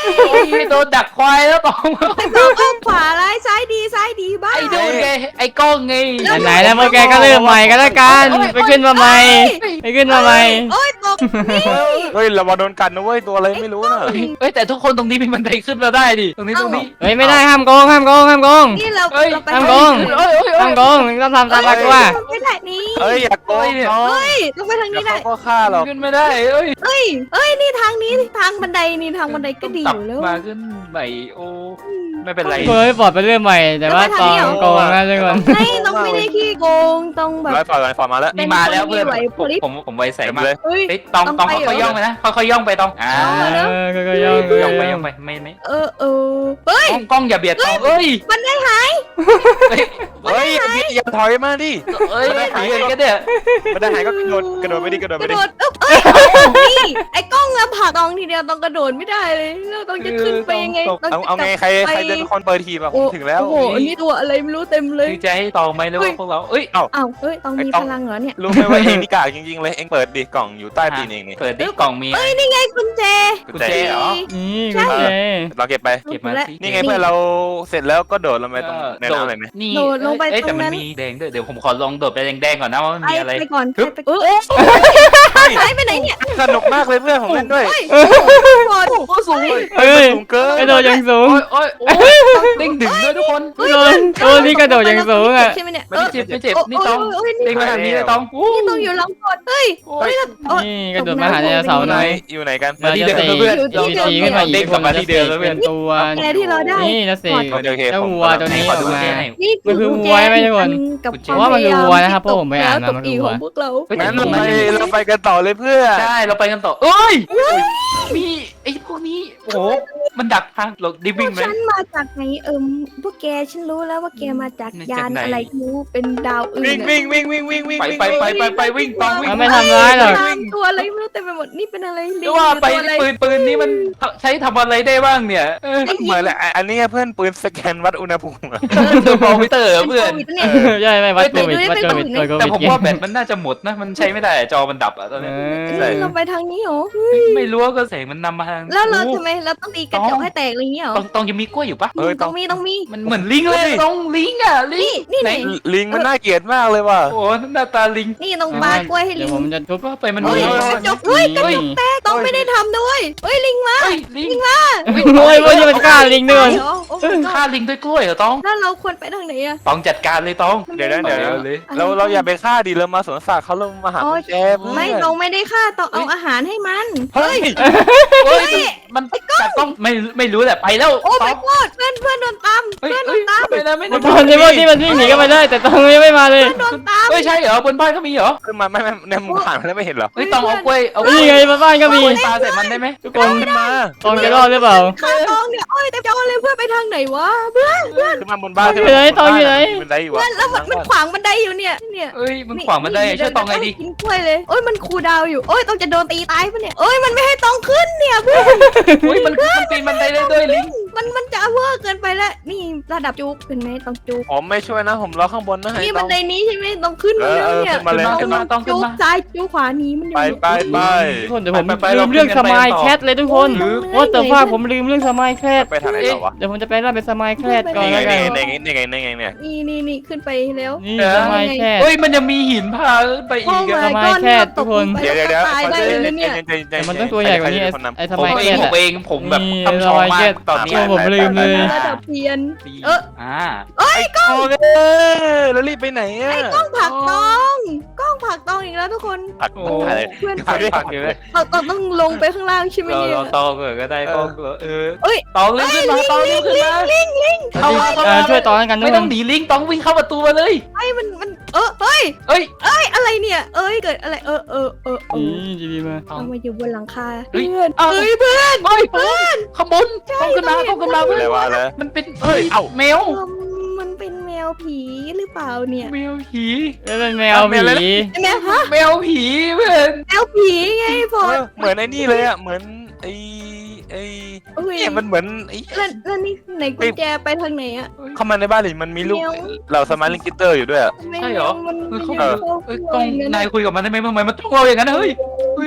Speaker 3: ไอ้โดนดักควายแล้วตอง
Speaker 2: บอกว่าขวาร้ายซ้ายดีซ้ายดีบ้า
Speaker 3: ไอ้โดนไงไอ้กล้องไง
Speaker 1: ไหนๆแล้วพวกแกก็เริ่มใหม่กันแล้วกันไปขึ้นมาใหม่ไปขึ้นมาใหม่
Speaker 2: โอ้ยตกนี่
Speaker 4: เฮ้ยเรามาโดนกันนะเว้ยตัวอะไรไม่รู้น่ะ
Speaker 3: เอ้ยแต่ทุกคนตรงนี้มีบันไดขึ้นมาได้ดิตรงนี้ตรงนี้
Speaker 1: เฮ้ยไม่ได้ห้ามโกงห้ามโกงห้ามโกง
Speaker 2: นี่เรา
Speaker 3: เอ้ย
Speaker 2: เราไป
Speaker 1: ห้ามโกง
Speaker 3: เอ้ยเอ้ย
Speaker 1: ห้ามโกงต้องทำตามหลักว่า
Speaker 2: ไม่ได้นี่
Speaker 4: เฮ้ยอย่าโกงน้อง
Speaker 2: เฮ้ยต้องไปทาง
Speaker 4: เดี๋ย
Speaker 2: นี้
Speaker 4: ว
Speaker 2: ได้
Speaker 4: เขาก็ฆ่าเรา
Speaker 3: ขึ้นไม่ได้เอ้ย
Speaker 2: เฮ้ยเฮ้ยนี่ทางนี้ทางบันไดนี่ทางบันไดก็ดีอยู่แล้ว
Speaker 3: มาขึ้นใหม่โอ้ไม่เป็นไร
Speaker 1: เฮ้ยปลอดไปเรื่องใหม่แต่ว่าตองโกงนะทุกคน
Speaker 2: ไม่ต้องไม่ได้ขี้โกงต้องแบบ
Speaker 4: ร้อยฝ่ายร้อยฝ่ายมาแล้ว
Speaker 3: นี่มาแล้วเพื่อน
Speaker 2: เป็นคนที่ไหวพริบ
Speaker 3: ผมผมไวใส่
Speaker 4: เต็ม
Speaker 3: มา
Speaker 4: เลย
Speaker 2: เฮ้ย
Speaker 3: เฮ้ยตองตองค่อยๆย่องไปนะค่อยๆย่องไปตองอ่า
Speaker 1: เออก็ย่อง
Speaker 3: ย่องไปย่องไปไม่ไม่
Speaker 2: เออเออเฮ้ย
Speaker 3: กล้องกล้องอย่าเบียดตองเอ้ย
Speaker 2: บันไดหาย
Speaker 4: เฮ้ยอย่าถอยมาดิ
Speaker 3: เอ้ยหายกันเนี่ย
Speaker 4: ไม่ได้หายก็กระโดดกระโดดไปดิกระโดด
Speaker 2: ก
Speaker 4: ไประ ดิ
Speaker 2: โดดเอ้ยนี่ไอ้กล้องอะผ่าตองทีเดียวต้องกระโดดไม่ได้เลยแล้วต้องจะขึ้นไปยังไงต้
Speaker 4: เอา
Speaker 2: จะ
Speaker 4: เอาไงใครใครจะเป็นคนเปิดทีมอะผ
Speaker 2: โอ้
Speaker 4: มถึงแล้ว
Speaker 2: โอ้โหอันนี้ตัวอะไรไม่รู้เต็มเลย
Speaker 3: คือจะให้ตองไหมหรือว่าพวกเราเอ้ย
Speaker 2: อ้าวเฮ้ยต้องมีพลังเหรอเนี่ย
Speaker 4: รู้ไหมว่าเองนี่กากจริงๆเลยเองเปิดดิกล่องอยู่ใต้ตีนเองนี่
Speaker 3: เปิดดิกล่องมี
Speaker 2: เอ้ยนี่ไงกุญแจ
Speaker 3: กุญแจเหรอ
Speaker 1: นี่กุญแจ
Speaker 4: เราเก็บไป
Speaker 3: เก็บมาสิ
Speaker 4: นี่ไงเพื่อนเราเสร็จแล้วก็โดดลงไปตรงในน้ำเลยไหม
Speaker 3: นี่
Speaker 2: โดดลงไป
Speaker 3: เอ้ย
Speaker 2: ตร
Speaker 3: แต่
Speaker 2: ง
Speaker 3: มัน
Speaker 2: นั้น
Speaker 3: มีแดงด้วยเดี๋ยวผมขอลองโดดไปแดงๆก่อนนะว่ามัน
Speaker 2: ไป
Speaker 3: มีอะไร
Speaker 2: ไปก่อน
Speaker 3: ฮึบ
Speaker 2: ไปเออหายไปไหนเนี่ย
Speaker 4: สนุกมากเลยเพื่อนผมเล่นด้วย
Speaker 2: โอ้ยหมด
Speaker 3: โอ้สูงเลย
Speaker 1: เฮ้ย
Speaker 4: สูงเกิน
Speaker 1: กระโดดอย่างสูง
Speaker 3: โอ้ยโอ้ยโอ้ยเด้งดึงด้วยทุกคน
Speaker 1: โดนโดนนี่กระโดดอย่างสูงอ่ะ
Speaker 2: ใช่ไหมเนี่ย
Speaker 3: ไม่เจ็บไม่เจ็บนี่ตอง
Speaker 2: โอ้ย
Speaker 3: เด้งมาทางนี้เลยตอง
Speaker 2: นี่ต้องอยู่หลังกดเฮ้ย
Speaker 3: โอ้
Speaker 2: เฮ้
Speaker 3: ย
Speaker 2: ยโอ้ย
Speaker 1: นี่กระโดดมาหาไดโนเสาร์
Speaker 4: อยู่
Speaker 1: ห
Speaker 4: ไหน
Speaker 1: น่อย
Speaker 4: อยู่ไหนกัน
Speaker 3: มาที่เดิม
Speaker 1: เราจะ
Speaker 3: เพื่อน
Speaker 1: เราจะตีขึ้นมาอีก
Speaker 3: เด้งกลับมาที่เดิมแล้วเพื่
Speaker 1: เป็
Speaker 3: อน
Speaker 1: นตัว
Speaker 2: แกที่เราได้
Speaker 1: นี่นะสิ
Speaker 4: โอเคโอเค
Speaker 1: เจ้า
Speaker 4: ผม
Speaker 1: วัวตัวนี้
Speaker 3: ข
Speaker 1: อ
Speaker 3: อ
Speaker 1: อก
Speaker 3: ดู
Speaker 1: มา
Speaker 3: แค่ไหน
Speaker 2: นี่
Speaker 1: มันคือวัวใช่ไหมทุกคน
Speaker 2: กับ
Speaker 1: ผมว่ามันคือวัวนะครับเพราะผมไปอ่านมามันคือวัว
Speaker 2: ของพวกเรา
Speaker 4: งั้นเราไปเราไปกันต่อเลยเพื่อน
Speaker 3: ใช่เราไปกันต่อเอ้ยมีไอ้พวกนี้โอ้โหมันดักทางเราดิ
Speaker 2: พ
Speaker 3: วิ่
Speaker 2: ว
Speaker 3: ง
Speaker 2: ก
Speaker 3: ไหม
Speaker 2: ฉันมาจากไหนเอิมพวกแกฉันรู้แล้วว่าแกมาจาก
Speaker 3: มาจาก
Speaker 2: ยาน
Speaker 3: ไหน
Speaker 2: อะไรไม่รู้เป็นดาวอื่น
Speaker 4: วิ่ง
Speaker 2: อะ
Speaker 4: วิ่งวิ่งวิ่งวิ่งวิ่ง
Speaker 3: ไปไปไปไปไปวิ่งตองวิ่ง
Speaker 1: มันไม่ทำร้ายหรอก
Speaker 2: ตามตัวอะไรไม่รู้เต็มไปหมดนี่เป็นอะไร
Speaker 3: หรือว่าไป
Speaker 2: ตัวอะไร
Speaker 3: ปืนปืนนี้มันใช้ทำอะไรได้บ้างเนี่ยเออ
Speaker 4: เหมือนแหละอันนี้เพื่อนปืนสแกนวัดอุณหภูมิ
Speaker 3: เทอร์โมมิเตอร์เพื่อน
Speaker 2: โควิดเนี่ย
Speaker 1: ใช่ไหมวัดโควิดวัดโควิดวัดโค
Speaker 3: แต่
Speaker 1: วิด
Speaker 3: ผมว่าแบตมันน่าจะหมดนะมันใช้ไม่ได้จอมันดับอะตอน
Speaker 1: เอ
Speaker 3: นี้
Speaker 1: อ
Speaker 2: นี่เราไปทางนี้เหรอ
Speaker 3: ไม่รู้ว่าก็แสงมันนำมาทาง
Speaker 2: แล้วเรา
Speaker 3: โอ้
Speaker 2: ทำไมเราต้องตีกระจกให้แตกอะไรอย่างเงี้ยเหรอ
Speaker 3: ต้องต้องยังมีกล้วยอยู่ปะ
Speaker 4: เออต้
Speaker 2: ต้
Speaker 4: อ
Speaker 2: อง งมีต้องมี
Speaker 3: มันเหมือนลิงเลยต้องลิงอ่ะลิง
Speaker 2: นี่
Speaker 3: ไหน
Speaker 2: นี่
Speaker 4: ลิงมันน่าเกลียดมากเลยว่ะ
Speaker 3: โอ้โหหน้าตาลิง
Speaker 2: นี่ต้องปากล้วยให้
Speaker 1: เดี๋
Speaker 2: ลิ
Speaker 1: ยว
Speaker 2: ง
Speaker 1: ผมจะทุบ
Speaker 3: ว่าไปมัน
Speaker 2: เฮ้
Speaker 3: มี
Speaker 2: ย
Speaker 3: เฮ้
Speaker 2: กระจกเฮ้ยกระจก
Speaker 1: นี่
Speaker 2: แตกต้องไม่ได้ทำด้วยเฮ้ยลิงมา
Speaker 3: ลิง
Speaker 1: โอ้ยพวกนี้มันฆ่าลิงด้วย
Speaker 2: เดี๋ยวโอ้ my god
Speaker 3: ฆ่าลิงด้วยกล้วยเหรอต้อง
Speaker 2: แล้วเราควรไปทางไหนอะ
Speaker 3: ต้องจัดการเลยต้อง
Speaker 4: เดี๋ยวนะเดี๋ยว
Speaker 3: เอา
Speaker 4: นะ
Speaker 3: เลย
Speaker 4: เราเราอย่าไปฆ่าดิเรามาสวนสัตว์เขาลงมาหา
Speaker 2: อ๋อ
Speaker 4: กุญแจเพื่อน
Speaker 2: ไม่ต้องไม่ได้ฆ่าต้องเอาอาหารให้มัน
Speaker 4: เฮ้ย
Speaker 3: เฮ้ยมันแต่ต้องไม่ไม่รู้แหละไปแล้ว
Speaker 2: โอ้
Speaker 3: ต้
Speaker 2: my
Speaker 3: อง
Speaker 2: god เพื่อนเพื่อนโดนตาม
Speaker 3: เฮ้ย
Speaker 2: เพื่อนโด
Speaker 3: เฮ้ย
Speaker 2: นตาม
Speaker 3: ไม่นะไม่
Speaker 1: ต
Speaker 3: นะ
Speaker 1: อนนี้พวกที่มันวิ่งหนีกันไปได้แต่ตองยังไม่มาเลย
Speaker 2: เพื่อนโดนตาม
Speaker 3: เฮ้ยใช่เหรอบนบ้านก็มีเหรอ
Speaker 4: ขึ้นมาไม่ไม่ในมุมผ่านมาแล้วไม่เห็นเหรอ
Speaker 3: เฮ้ยต้องเอากล้วยเอากล้
Speaker 1: นี่
Speaker 3: วย
Speaker 1: ไงมาบ้านก็มี
Speaker 3: ปลาใส่มันได้ไหม
Speaker 1: ทุกคน
Speaker 4: ขึ้นมา
Speaker 1: ตองจะรอดหรือเปล่า
Speaker 2: ข้าตองเนี่ยโอ้ยแต่จอเลยเพื่อนไปทางไหนวะเพื่อน
Speaker 4: ขึ้นมาบนบ้าน
Speaker 1: ตองอยู่ไหนตองอยู่ไหน
Speaker 4: มันได้อยู่
Speaker 2: เพื่
Speaker 4: วะ
Speaker 2: อนแล้วมันมันขวางบันไดอยู่เนี่ยเนี่ย
Speaker 3: เอ้ยมันขวางมันได้ช่วยตองไงดี
Speaker 2: กินกล้วยเลยโอ้ยมันคูลดาวน์อยู่โอ้ยต้องจะโดนตีตายปะเนี่ยโอ้ยมันไม่ให้ตองขึ้นเนี่ยเพื่อน
Speaker 3: เฮ้ยมันมันปีนบันไดได้ด้วยลิง
Speaker 2: มันมันจะเวอร์เกินไปแล้วนี่ระดับจุกเป็นไหมต้องจุก
Speaker 4: ผมไม่ช่วยนะผมรอข้างบนนะให้
Speaker 2: นี่
Speaker 4: ต้
Speaker 2: บั
Speaker 4: อน ง
Speaker 2: ไดนี้ใช่ไหมต้องขึ้นมาแล้วเนี่ย
Speaker 4: เออเออขึ้นมาเลย
Speaker 3: ขึ้นมาต้องขึ้น
Speaker 2: จุก
Speaker 3: มา
Speaker 2: ซ้ายจุกขวาหนี้มันอยู่
Speaker 4: ไปไปไป
Speaker 1: ทุกคนเดี๋ยวผม
Speaker 3: ไปไป
Speaker 1: ลืมเรื่องสมายแคทเลยทุกคน
Speaker 2: หรือ
Speaker 1: ว่าแต่ว่าผมลืมเรื่องสมายแคท
Speaker 4: ไปทางไหนต่อวะ
Speaker 1: เดี๋ยวผมจะไปเล่าเป็นสมายแคทก่อน
Speaker 4: นี่ไง
Speaker 1: แล้วกัน
Speaker 4: นี่ไงนี่ไงนี่ไงเนี่ย
Speaker 2: นี่นี่นี่ขึ้นไปแล้ว
Speaker 1: นี่สมายแคท
Speaker 3: เฮ้ยมันยังมีหินพาไปอีก
Speaker 2: โอ้
Speaker 3: อะ
Speaker 2: my
Speaker 1: ทำไม
Speaker 2: god
Speaker 1: แค่
Speaker 2: เราต
Speaker 1: ทุกคน
Speaker 2: ลงไป
Speaker 4: เดี๋ยวเดี๋ยวเดี๋ยว
Speaker 2: ตายได้เลยนะเนี่ย
Speaker 1: แต่มันต้องตัวใหญ่กว่านี้ไอ้ไอ้ส
Speaker 3: ผม
Speaker 1: มาย
Speaker 3: เอ
Speaker 1: แค
Speaker 3: ง
Speaker 1: ท
Speaker 3: ผมเองผมแบบ
Speaker 1: นี่
Speaker 3: ทำชองมา
Speaker 1: สมัย
Speaker 3: กตอนนี้
Speaker 1: โอ้ผมลืมเลย
Speaker 2: ระดับเพียน เออ
Speaker 3: อ่า
Speaker 4: โอ้ยแล้วรีบไปไหนอ่ะ
Speaker 2: กล้องผักตองกล้องผักตองอีกแล้วทุกคน
Speaker 4: ผัก
Speaker 3: โอ้
Speaker 4: อะไร
Speaker 2: เพื่อน
Speaker 3: ผักผักอยู่เลย
Speaker 2: เราเราต้องลงไปข้างล่างใช่ไหม
Speaker 3: เรา
Speaker 2: เนี่ย
Speaker 3: เราตองเกิดก็ได้ตองเกิดเออ
Speaker 2: เอ้ย
Speaker 3: ตองเลื่อนขึ้นมาตองเลื่อนขึ้นมา
Speaker 2: ลิงลิง
Speaker 3: เข้ามาเข้า
Speaker 1: เอ
Speaker 3: มา
Speaker 1: อช่วยต่อกันทุ
Speaker 3: ไม่
Speaker 1: กค
Speaker 3: ต้อน งหนีลิงต้องวิ่งเข้าประตูมาเลย
Speaker 2: ไอ้มันมันเออเฮ้ย
Speaker 3: เอ้ย
Speaker 2: เอ้ยอะไรเนี่ย เอ้ยเกิดอะไรเออเออเออเออ
Speaker 1: นี่จีบีมา
Speaker 3: ตอง
Speaker 2: เอามาอยู่บนหลังคา
Speaker 3: เฮ้ย
Speaker 2: เพื่อน
Speaker 3: เอ้า
Speaker 2: เอ้ยเพื่อน
Speaker 3: เฮ้ยเพื่อนข้างบนต้องขึ้นมาต้องขึ้นมา
Speaker 4: อะ
Speaker 3: เพื่อ
Speaker 4: ไร
Speaker 3: น
Speaker 4: วะแล้ว
Speaker 3: มันเป็น
Speaker 4: เฮ้ยเอ้า
Speaker 3: แมว
Speaker 2: เออมันเป็นแมวผีหรือเปล่าเนี่ย
Speaker 3: แมวผี
Speaker 1: แล้วเป็นแมวผี
Speaker 2: แมวฮะ
Speaker 3: แมวผีเพื่อน
Speaker 2: แมวผีไงพอ
Speaker 4: เออเหมือนไอ้นี่เลยอ่ะเหมือนไอ้ไอ้
Speaker 2: เอ้ย
Speaker 4: เนี่ยมันเหมือนไอ้
Speaker 2: แล้วแล้วนี่ไหนกุญแจไปทางไหนอะ
Speaker 4: เข้ามาในบ้านเลยมันมีลูก
Speaker 2: แมว
Speaker 4: เราสมาร์ทลิงกิเตอร์อยู่ด้วยอ่ะ
Speaker 2: ไม่
Speaker 3: ใช่เหรอ
Speaker 2: มัน
Speaker 3: เอ
Speaker 2: มั
Speaker 3: อน เขา
Speaker 2: ยัง
Speaker 3: เออ
Speaker 2: เข้า
Speaker 3: เอ้ย
Speaker 2: กล้
Speaker 3: กล้
Speaker 2: อ
Speaker 3: อง
Speaker 2: ง
Speaker 3: นายคุยกับมันได้ไหมทำไมมันต้องเราอย่างนั้นเฮ้ยเฮ้ย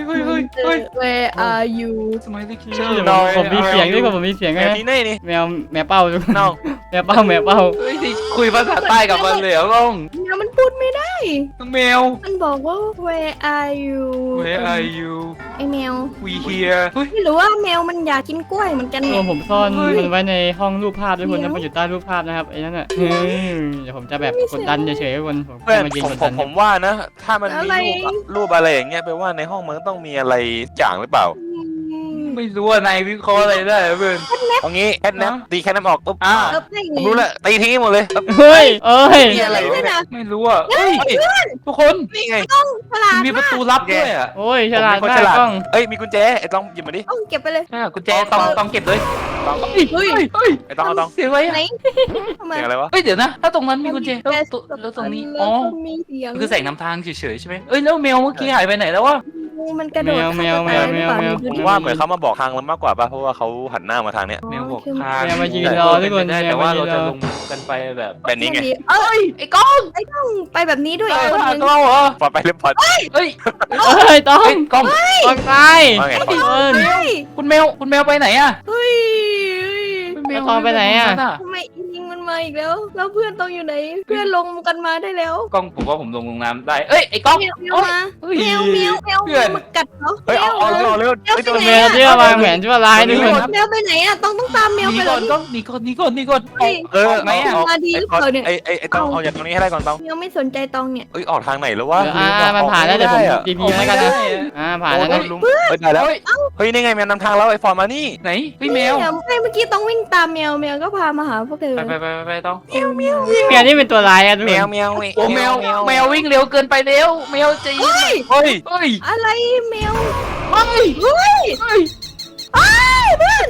Speaker 3: เฮ้ยเฮ้ยเฮ้ย
Speaker 2: Where are you
Speaker 3: สมัยเด็ก
Speaker 1: เดี๋ยวผมผมมีเสียงด้วยก่อนผมมีเสียง
Speaker 4: แม
Speaker 1: ไง
Speaker 4: วที่นี่นี่
Speaker 1: แมวแมวเป้าทุกคน
Speaker 4: น้อง
Speaker 1: แมวเป้าแมวเป้า
Speaker 3: เฮ้ยคุยภาษาใต้กับมันเลยเหรอก้อง
Speaker 2: แมวมันพูดไม่ได้
Speaker 3: แมว
Speaker 2: มันบอกว่า Where are you
Speaker 3: Where are you
Speaker 2: ไอแมว
Speaker 3: We here เฮ้ย
Speaker 2: ไม่รู้ว่าแมวมันอยากกินกล้วยเหมือนกัน
Speaker 1: ตั
Speaker 2: เนี่
Speaker 1: วย ผมซ่อน
Speaker 3: เฮ้ย
Speaker 1: มันไว้ในห้องรูปภาพทุกคน
Speaker 2: เดี๋
Speaker 1: นะ
Speaker 2: ยว
Speaker 1: มันอยู่ใต้รูปภาพนะครับไอ้นั่นอ่ะเฮ้ยเดี๋ยวผมจะแบบกดดันเฉยๆทุกคนผม
Speaker 4: เพื่อน
Speaker 1: มายิง
Speaker 4: ผม
Speaker 1: กด
Speaker 4: ผ
Speaker 1: ดั
Speaker 4: ม
Speaker 1: น
Speaker 4: ผมว่านะ ถ้ามันมีรูปอะรูปอะไรอย่างเงี้ยแปลว่าในห้องมันต้องมีอะไรจ่างหรือเปล่า
Speaker 2: อืม
Speaker 3: ไม่รู้ว่านายวิเคราะห์อะไรได้เหรอเพื่อน
Speaker 4: เอางี้แคทแนปตีแคทแนปออกปุ๊บ
Speaker 3: อ่า
Speaker 2: เออไม่
Speaker 4: ผมรู้แล้วตีทิ้งหมดเลยปุ๊บ
Speaker 1: เฮ้ยเอ้ย
Speaker 4: มีอะไรวะเนี่ย
Speaker 3: ไม่รู้อ่ะเฮ้ยทุกคน
Speaker 4: นี่ไง
Speaker 2: ฉลาด
Speaker 3: มีประตูลับด้วยอ่ะ
Speaker 1: โอ้ยฉลาด
Speaker 4: ผม
Speaker 1: มา
Speaker 4: เป็นคนฉลาด
Speaker 1: กกล้อง
Speaker 4: เอ้ยมีกุญแจไอ้ต้องหยิบมาดิ
Speaker 2: ต้องเก็บไปเลย
Speaker 3: อ่ะกุญแจต้องต้องเก็บเลย
Speaker 4: ต้อง
Speaker 3: เฮ้ยเฮ้ยเฮ้ย
Speaker 4: ไอ้ต้องเอาต้อง
Speaker 3: เสียงอะไร
Speaker 2: ไหน
Speaker 3: อ่ะ
Speaker 2: ทำไม
Speaker 4: เสียงอะไรวะ
Speaker 3: เฮ้ยเดี๋ยวนะถ้าตรงนั้นมีกุญแจแล้วแล้วตรงนี้อ๋อ
Speaker 2: แล้วก็มีเสียง
Speaker 3: มันคือแสงนำทางเฉยๆใช่ไหมเอ้ยแล้วแมวเมื่อกี้หายไปไหนแล้ววะ
Speaker 2: มันกระโดด
Speaker 1: แมวแมวแมวแมว
Speaker 4: ผมว่าเหมือนเขามาบอกทางเรามากกว่าป่ะเพราะว่าเขาหันหน้ามาทางเนี้ย
Speaker 3: แมวบอกทาง
Speaker 1: แมวมายืนรอทุกคน
Speaker 3: ได้
Speaker 1: แม
Speaker 3: แต่
Speaker 1: ว
Speaker 3: ว่า
Speaker 1: มายื
Speaker 3: เรา
Speaker 1: นร
Speaker 3: จะ
Speaker 1: อ
Speaker 3: ลงกันไปแบบ
Speaker 4: แบบนี้ไง
Speaker 2: เอ้ย
Speaker 3: ไอ้ก้อง
Speaker 2: ต้องไปแบบนี้ด้วย
Speaker 3: เออ
Speaker 2: คนห
Speaker 3: หา
Speaker 2: นึง
Speaker 3: กล้องเหรอ
Speaker 4: ปลอดไปเรียบร้อย
Speaker 3: เฮ้ย
Speaker 1: เอ้ยต้อง
Speaker 3: เฮ้ยกล้อง
Speaker 1: กล้องตาย
Speaker 4: ว่าไง
Speaker 1: เอิ้น
Speaker 2: เฮ้ย
Speaker 3: คุณแมวคุณแมวไปไหนอะ
Speaker 2: เฮ้ย
Speaker 3: คุณแมว
Speaker 1: แล้วตองไปไหนอะ
Speaker 2: ทำไมอีลิงมันมาอีกแล้ว แล้วเพื่อนต้องอยู่ไหน เพื่อนลงกันมาได้แล้ว
Speaker 3: กล้องผมว่าผมลงลงน้ำได้เอ้ยไอ้กล้อง
Speaker 2: แมวแมวมา
Speaker 3: เฮ้ย
Speaker 2: แมวแมวแมว
Speaker 3: เพื่อน
Speaker 2: มากัดเหรอ
Speaker 4: เฮ้ยเอาเอาเร็วเอาเร็วเฮ้ยตัว
Speaker 1: แมวที่วางแผนชั่วร้ายทุกคน
Speaker 2: แมวไปไหนอ่ะต้องต้องตามแมว
Speaker 3: ห
Speaker 2: ไป
Speaker 3: นี
Speaker 2: เล
Speaker 3: ก่อน
Speaker 2: ย
Speaker 3: กล้องหนีก่อนหนีก่อนหนีก่อน
Speaker 2: เฮ้ย
Speaker 4: เออ
Speaker 3: ออกไหมอะ
Speaker 4: เอา
Speaker 2: มาดีหรือเปล่าเนี่ย
Speaker 4: ไอ้ไอ้ไอ้ต้องเอาจากตรงนี้ให้ได้ก่อนต้อง
Speaker 2: แมวไม่สนใจตองเนี่ย
Speaker 4: เอ้ยออกทางไหนแล้ววะ
Speaker 1: เดี๋ยวอ่ามันผ่านแล้วเดี๋ยวผมดีพีแล้วกันนะอ่าผ่านแล้วนะ
Speaker 4: ลุงเฮ้ยได้แล้ว
Speaker 3: เฮ้ย
Speaker 4: เฮ้ยนี่ไงแมวนำทางแล้วไอ้ฟอร์มมานี่
Speaker 3: ไหนเฮ้ยแมว
Speaker 2: ไม่เมื่อกี้ต้องวิ่งตามแมวแมวก็พามาหาพวกเธอ
Speaker 3: ไปไปไปไปไปต้อง
Speaker 2: แมวแมว
Speaker 1: แมวนี่เป็นตัวร้ายอะทุก
Speaker 4: แม
Speaker 1: ค
Speaker 4: วน แมว
Speaker 3: โอ้แมวแมววิ่งเร็วเกินไปเร็วแมวจะยิง
Speaker 2: เฮ้ย
Speaker 4: เฮ้ย
Speaker 3: เฮ้ย
Speaker 2: อะไรแมว
Speaker 3: เฮ้ย
Speaker 2: เฮ้ย
Speaker 3: เฮ้ย
Speaker 2: เฮ้ยเพื่อน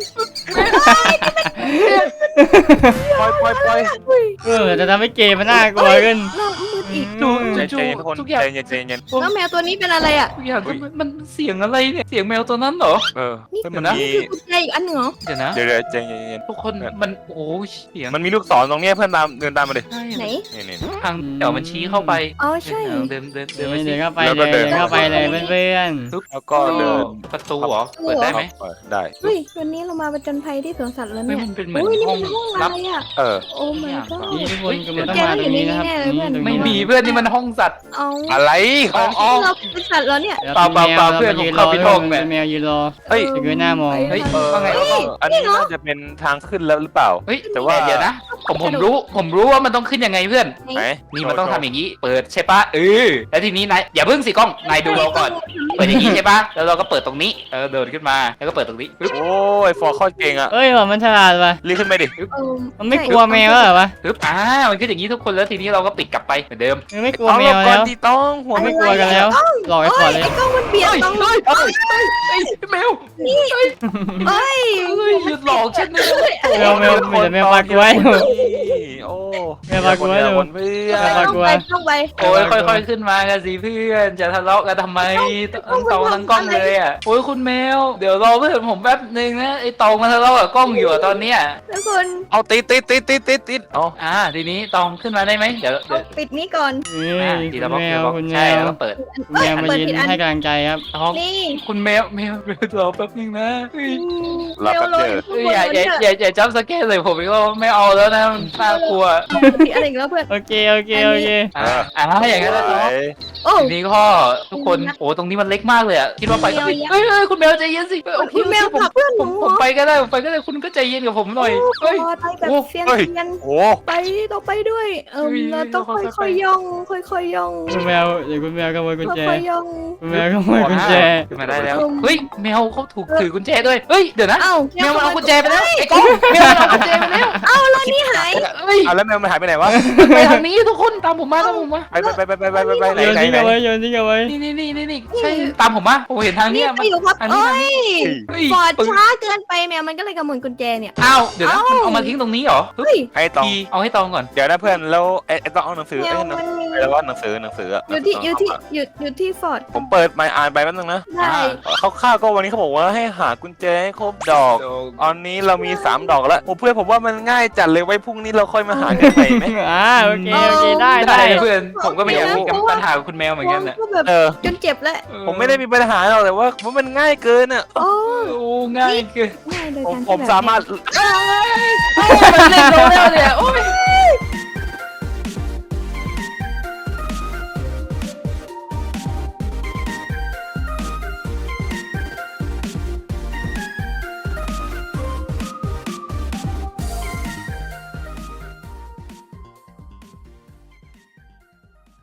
Speaker 4: ปล่อยปล่อยปล่อย
Speaker 2: เฮ้ย
Speaker 1: เออจะทำให้เกมมันน่ากลัวขึ้น
Speaker 2: เรามืดอีก
Speaker 3: จู
Speaker 4: ใจ
Speaker 3: จู
Speaker 4: เย็นทุกคน
Speaker 3: ทุกอย่าง
Speaker 4: ใจเย็นใจเย็น
Speaker 2: แล้วแมวตัวนี้เป็นอะไรอ่ะ
Speaker 3: ทุกอย่างมันมันเสียงอะไรเนี่ยเสียงแมวตัวนั้นเหรอ
Speaker 4: เออ
Speaker 2: นี่
Speaker 4: เฮ้ย
Speaker 2: คื
Speaker 4: มัน
Speaker 2: อ
Speaker 4: มี
Speaker 2: กุญแจอีกอันหนึ่งเหรอ
Speaker 3: เดี๋ยวนะ
Speaker 4: เดี๋ยวเดี๋ยวใจเย็น
Speaker 3: ทุกคนมันโอ้ยเสียง
Speaker 4: มันมีลูกศรตรงเนี้ยเพื่อนตามเดินตามมาเลย
Speaker 3: ใช่
Speaker 2: ไหน
Speaker 4: นี่นี่
Speaker 3: ทางเดี๋ยวมันชี้เข้าไป
Speaker 2: อ๋อใช่
Speaker 3: เดินเดินเดิน
Speaker 1: เดิ
Speaker 3: ไป
Speaker 1: น
Speaker 3: สิ
Speaker 1: เข้าไป
Speaker 4: แล้ว
Speaker 1: เล
Speaker 4: ก็
Speaker 1: ย
Speaker 4: เดิ
Speaker 1: เดิ
Speaker 4: น
Speaker 1: นเข้าไปเลยเพื่อน
Speaker 4: แล้วก็เดิน
Speaker 3: ประตูเหรอเปิดได้ไหม
Speaker 4: เออได้
Speaker 2: เฮ้ยวันนี้เรามาประจนภัยที่สวนสัตว์แล้ว
Speaker 3: ไม่
Speaker 2: เนี่ย
Speaker 3: มันเป็นเหมือน
Speaker 2: อุ้ยนี่
Speaker 3: ห้อง
Speaker 2: มันห้อง
Speaker 3: ลั
Speaker 2: อะ
Speaker 3: บ
Speaker 2: ไรอ่ะ
Speaker 4: เออ
Speaker 2: โอ้ my
Speaker 1: ๆนี่
Speaker 2: god
Speaker 1: ทุกคนกำลังต้องมาตรงนี้นะครับนี่ตรง
Speaker 3: ไม่
Speaker 1: นี้
Speaker 3: มีเพื่อนนี่มันห้องสัตว์
Speaker 2: เอา
Speaker 4: อะไรอ๋ออ๋อ
Speaker 2: เราเป็นสัตว์แล้วเนี่ย
Speaker 1: แล้ว
Speaker 3: เปล่าเปล่าเปล่า
Speaker 1: แมว
Speaker 3: เพื่อน
Speaker 1: มายืน
Speaker 3: ผม
Speaker 1: รอ
Speaker 3: เข้าไปห้องเนี่ย
Speaker 1: แมวยืนรอ
Speaker 4: เฮ้ย
Speaker 1: ถึงหน้ามอง
Speaker 3: เฮ้ย
Speaker 4: เออ
Speaker 3: ว่าไงวะต้อง
Speaker 4: อันนี้น่าจะเป็นทางขึ้นแล้วหรือเปล่า
Speaker 3: เฮ้ย
Speaker 4: แต่ว่า
Speaker 3: เดี๋ยวนะ ผมผมรู้ผมรู้ว่ามันต้องขึ้นยังไงเพื่อน
Speaker 4: ไหน
Speaker 3: นี่มันต้องทำอย่างนี้ เปิดใช่ปะเออแล้วทีนี้นายอย่าเพิ่งสิกล้องนายดูเราก่อน เปิดอย่างนี้ใช่ปะแล้วเราก็เปิดตรงนี้เออเดินขึ้นมาแล้วก็เปิดตรงนี้ปึ๊บ
Speaker 4: โอ้ยฟอร์โคตรเก่งอะ
Speaker 1: เอ้ยว่ามันฉลาดว่ะ
Speaker 4: รีบขึ้นไปดิ
Speaker 2: เออ
Speaker 1: มันไม่กลัวแมวแล้วเหรอวะ
Speaker 3: ปึ๊บอ่ามันขึ้นอย่างนี้ทุกคนแล้วทีนี้เราก็ปิดกลับไปเหมือนเดิม
Speaker 1: มันไม่กลัว
Speaker 4: เอา
Speaker 1: แม
Speaker 4: หล
Speaker 1: ว
Speaker 4: บก่อ
Speaker 1: แล้
Speaker 4: น
Speaker 1: ว
Speaker 4: ดีต้องหัว
Speaker 1: ไม่
Speaker 4: ไม่
Speaker 1: กลัวกันแล้วหลอกไอ้ขอดเลย
Speaker 2: ไอ้กล้องมันเบียดต้อง
Speaker 3: เฮ้ยเฮ้ยเฮ้ยแมว
Speaker 2: เอ้ย
Speaker 3: เฮ้ยหยุดหลอกฉันนะ
Speaker 1: แมวแมวมีแต่แมวปลากล้วย
Speaker 4: โอ้
Speaker 1: แมวปลากล้วย
Speaker 4: เดี๋
Speaker 1: ดู
Speaker 4: คนเพื่อ
Speaker 1: แมวปลากล้วย
Speaker 2: ต้องไป
Speaker 3: โอ้ยค่อยๆขึ้นมากันสิเพื่อนจะทะเลาะกันทำไมทั้งตองทั้งกล้องเลยอ่ะโอ้ยคุณแมวเดี๋ยวรอเพื่อนผมแป๊บนึงนะไอ้ตองมาทะเลาะกับกล้องอยู่อะตอนเนี้ย
Speaker 2: ทุกคน
Speaker 4: เอาติดติดติดติดติดติดเอา
Speaker 3: อ่าทีนี้ตองขึ้นมาได้ไหมเดี๋ยวเดี๋ยว
Speaker 2: ปิดนี้ก่อน
Speaker 1: นี่
Speaker 3: อ่าทีละบล็อก
Speaker 1: แม
Speaker 3: ทีละ
Speaker 1: ว
Speaker 3: บล็อก
Speaker 1: คุณแม
Speaker 3: ใช่
Speaker 1: ว
Speaker 3: แล้วก็เปิด
Speaker 1: คุณแมวมายืนให้กำลังใจครับ
Speaker 3: ตอง
Speaker 2: นี่
Speaker 3: คุณแมวแมวแมวรอแป๊บนึงนะเฮ้ย
Speaker 4: รับแป๊บเดียว
Speaker 3: เฮ้ยอย่าอย่าอย่าอย่าจับสเก็ตเลยผมอีกแล้วไม่เอาแล้วนะมันน่ากลัว
Speaker 2: ปิดอะไรอีกแล้วเพื่อน
Speaker 1: โอเคโอเคโอเค
Speaker 3: อ่าอ่าอย่างนั้นแล้วตอง
Speaker 2: โอ้
Speaker 3: ทีนี้ก็ทุกคนโอ้ตรงนี้มันเล็กมากเลยอ่ะคิดว่าไปก็เฮ้ยเฮ้ยเฮ้ยคุณแมวใจเย็นสิเอ้ยโอเค
Speaker 2: คุณแมว
Speaker 3: ผม
Speaker 2: ผลักเพื่อนห
Speaker 3: ผ
Speaker 2: นู
Speaker 3: มผมไปก็ได้ผมไปก็ได้คุณก็ใจเย็นกับผมหน่อยเฮ้ย
Speaker 2: ไปแบบเซียนเซียน
Speaker 4: โอ้
Speaker 2: ไปต้องไปด้วยเออ
Speaker 3: เฮ้ย
Speaker 2: เราต้อง
Speaker 3: ค่อยๆ
Speaker 2: ค่อยๆย่อง ค่อยๆย่อง
Speaker 1: คุณแมวเดี๋ยวคุณแมวขโมยกุญแจ
Speaker 2: ค่อยๆย่อง
Speaker 1: คุณแมวขโมยกุญแจ
Speaker 3: ขึ้นมาได้แล้วเฮ้ยแมวเขาถูกถือกุญแจด้วยเฮ้ยเดี๋ยวนะ
Speaker 2: เอ้า
Speaker 3: แมวมันเอากุญแจไปแล้วไอ้กล้องแมวมันเอากุญแจไปแล้ว
Speaker 2: เอ้าแล้วนี่หาย
Speaker 3: เฮ้ย
Speaker 4: เอาแล้วแมวมันหายไปไหนวะ
Speaker 3: ไปทางนี้ทุกคนตามผมมาตามผมมา
Speaker 4: ไปไปไปไปไปไปไปไหน
Speaker 1: โยน
Speaker 4: ไหน
Speaker 1: ทิ้ง
Speaker 4: ไหน
Speaker 1: เอาไว้โยนทิ้งเอาไว้
Speaker 3: นี่นี่นี่นี่นี่ใช่ตามผมมาผมเห็นทาง
Speaker 2: นี่
Speaker 3: เนี้ย
Speaker 2: ไป
Speaker 3: มัน
Speaker 2: อยู่ครับ
Speaker 3: อันนี้
Speaker 2: เอ้
Speaker 3: ทาง
Speaker 2: ย
Speaker 3: นี้เฮ้ย
Speaker 2: ฟอร์ด
Speaker 3: ปึ้ง
Speaker 2: ช้าเกินไปแมวมันก็เลยขโมยกุญแจเนี่ย
Speaker 3: อ้าวเดี๋ยวนะ
Speaker 2: เอ้า
Speaker 3: มันเอามาทิ้งตรงนี้เหรอ
Speaker 2: เฮ้ย
Speaker 4: ให้ตอง
Speaker 3: ทีเอาให้ตองก่อน
Speaker 4: เดี๋ยวนะเพื่อนแล้วไอ้ไอ้ต้องเอาหนังสือ
Speaker 2: แม
Speaker 4: ไอ้
Speaker 2: ว
Speaker 4: หนัง
Speaker 2: มันมี
Speaker 4: แล้วว่าหนังสือหนังสืออะ
Speaker 2: อยู่ที่
Speaker 4: หนังสื
Speaker 2: อยู่ที่
Speaker 4: เข้ามา
Speaker 2: อยู่อยู่ที่ฟอร์ด
Speaker 4: ผมเปิดไมค์อ่านไปแป๊บนึงนะ
Speaker 2: ได้
Speaker 4: เขาข้าวๆก็วันนี้เขาบอกว่าให้หากุญแจให้ครบดอกตอนนี้เรามีสามดอกแล้วโอ้เพื่อนผมว่ามันง่ายจัดเลยไว้พรุ่งนี้เราค่อยมาหากันใหม่ไหม
Speaker 1: อ่าโอเคโอเคได้
Speaker 3: ได้
Speaker 1: ได้
Speaker 3: เพื่อนผมก็ไม่อยากมีกับปัญหากับคุณแมวเหมือนกัน
Speaker 2: ม
Speaker 3: นะ
Speaker 2: ก็แบบ
Speaker 4: เออ
Speaker 2: จนเจ็บแล้ว
Speaker 4: ผมไม่ได้มีปัญหาหรอกแต่ว่าว่ามันง่ายเกินอ่ะ
Speaker 2: โอ้
Speaker 3: โอ้ง่ายเกิน
Speaker 2: ง่ายโดย
Speaker 4: ผม
Speaker 2: การ
Speaker 4: ผม
Speaker 2: ที่แบบ
Speaker 4: สามารถ
Speaker 3: มันเล่นโดนแล้ว